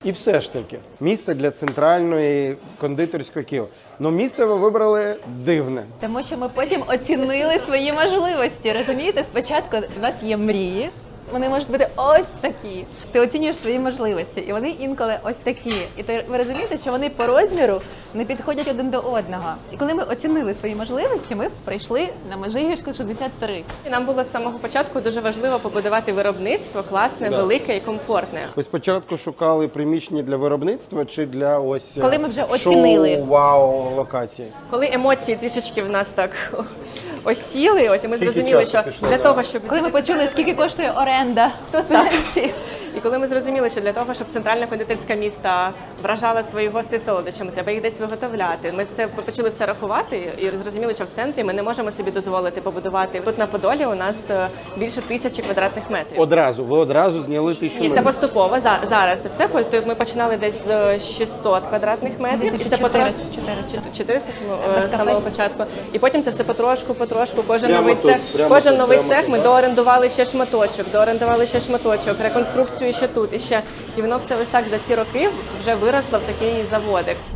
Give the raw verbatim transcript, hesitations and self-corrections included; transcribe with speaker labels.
Speaker 1: І все ж таки, місце для центральної кондитерської Києва. Ну, місце ви вибрали дивне.
Speaker 2: Тому що ми потім оцінили свої можливості. Розумієте, спочатку у нас є мрії. Вони можуть бути ось такі. Ти оцінюєш свої можливості, і вони інколи ось такі. І ти, ви розумієте, що вони по розміру не підходять один до одного. І коли ми оцінили свої можливості, ми прийшли на Межигірську шістдесят три.
Speaker 3: І нам було з самого початку дуже важливо побудувати виробництво класне,
Speaker 1: Да.
Speaker 3: велике і комфортне.
Speaker 1: Ви спочатку шукали приміщення для виробництва чи для ось
Speaker 2: Коли ми вже оцінили.
Speaker 1: шоу, вау, локації?
Speaker 3: Коли емоції трішечки в нас так осіли, ось і ми
Speaker 1: Скільки
Speaker 3: зрозуміли,
Speaker 1: часу
Speaker 3: що
Speaker 1: пішло,
Speaker 3: для
Speaker 1: да?
Speaker 3: того, щоб
Speaker 2: Коли ми почули, скільки коштує оренда, то це
Speaker 3: І коли ми зрозуміли, що для того, щоб центральна кондитерська міста вражала своїх гостей солодощами, треба їх десь виготовляти. Ми все почали все рахувати і зрозуміли, що в центрі ми не можемо собі дозволити побудувати. Тут на Подолі у нас е, більше тисячі квадратних метрів.
Speaker 1: Одразу, ви одразу зняли тисячу
Speaker 3: Ні, це
Speaker 1: метрів.
Speaker 3: поступово. За- Зараз це все. Тобто ми починали десь з шістсот квадратних метрів.
Speaker 2: Десь
Speaker 3: І це
Speaker 2: чотириста,
Speaker 3: потро-
Speaker 2: чотириста.
Speaker 3: чотириста
Speaker 2: Без
Speaker 3: з
Speaker 2: кафе?
Speaker 3: самого початку. І потім це все потрошку, потрошку. Кожен
Speaker 1: Прямо
Speaker 3: новий
Speaker 1: тут,
Speaker 3: цех,
Speaker 1: прямо
Speaker 3: кожен
Speaker 1: тут,
Speaker 3: новий
Speaker 1: прямо
Speaker 3: цех
Speaker 1: тут,
Speaker 3: ми
Speaker 1: да?
Speaker 3: доорендували ще шматочок, доорендували ще шматочок, реконструкцію ще тут, і ще. І воно все ось так за ці роки вже виросло в такий заводик.